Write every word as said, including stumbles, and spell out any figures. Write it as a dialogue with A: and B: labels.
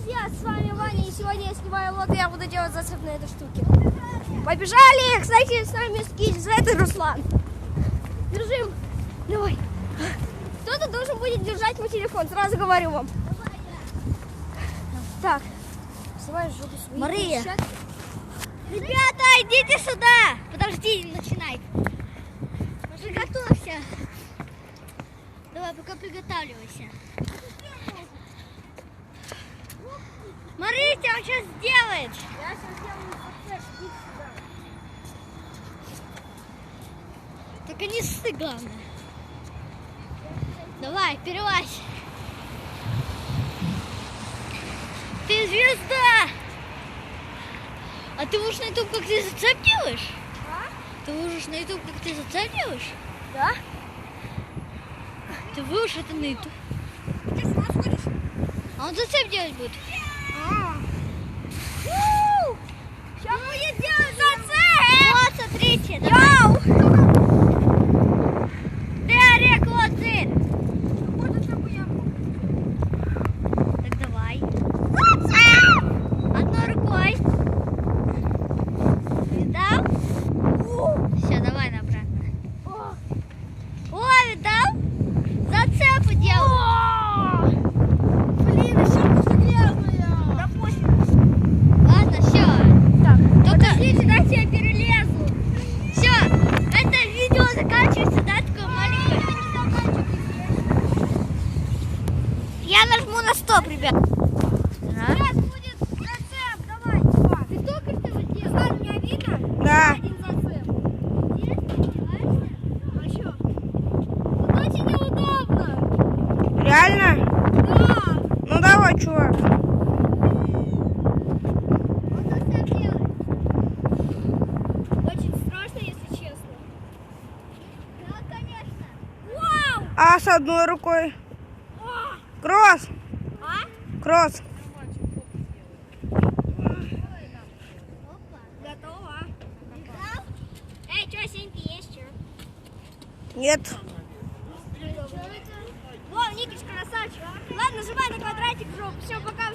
A: друзья, с вами Ваня, и сегодня я снимаю влог, и я буду делать зацеп на этой штуке. Побежали! Кстати, с нами скид, это Руслан. Держим. Давай. Кто-то должен будет держать мой телефон, сразу говорю вам. Так. Снимай жопу свою.
B: Мария. Ребята, идите сюда. Подожди, не начинай. Уже готовься. Давай, пока приготавливайся. Смотрите, он сейчас сделает.
A: Я сейчас сделаю процесс, иди сюда.
B: Только не ссы, главное. Давай, перелазь. Ты звезда. А ты будешь на YouTube, как ты зацеп делаешь?
A: А?
B: Ты выложишь на YouTube, как ты зацеп делаешь?
A: Да?
B: Ты выложишь это на YouTube.
A: Ты с ума сходишь?
B: А он зацеп делать будет.
A: Сейчас будет делать зацеп!
B: Вот, смотрите.
A: Йоу!
B: Дерек, вот ты.
A: Вот это я
B: Так давай. Одной рукой. Видал? Все, давай обратно. О, видал? Зацепы делаю.
A: Блин, еще все грязная. Да пофиг.
B: Ладно, все.
A: Так,
B: Только-
A: подождите, дайте я перелезу.
B: Все. Это видео заканчивается, да, такое маленькое. Я нажму на стоп, ребят.
A: Сейчас будет зацеп, давай, Иван. Ты только что его сделал? Иван, меня видно?
B: Да.
A: Один зацеп. А что? Тут очень неудобно.
B: Реально?
A: Да.
B: Ну давай, чувак.
A: Он зацеп делает. Очень страшно, если честно. Да, конечно. Вау!
B: А с одной рукой? Кросс.
A: А?
B: Кросс.
A: Готово. Эй, что, синьки есть, что?
B: Нет.
A: Вон, Никич красавчик. Ладно, нажимай на квадратик в жопу. Все, пока.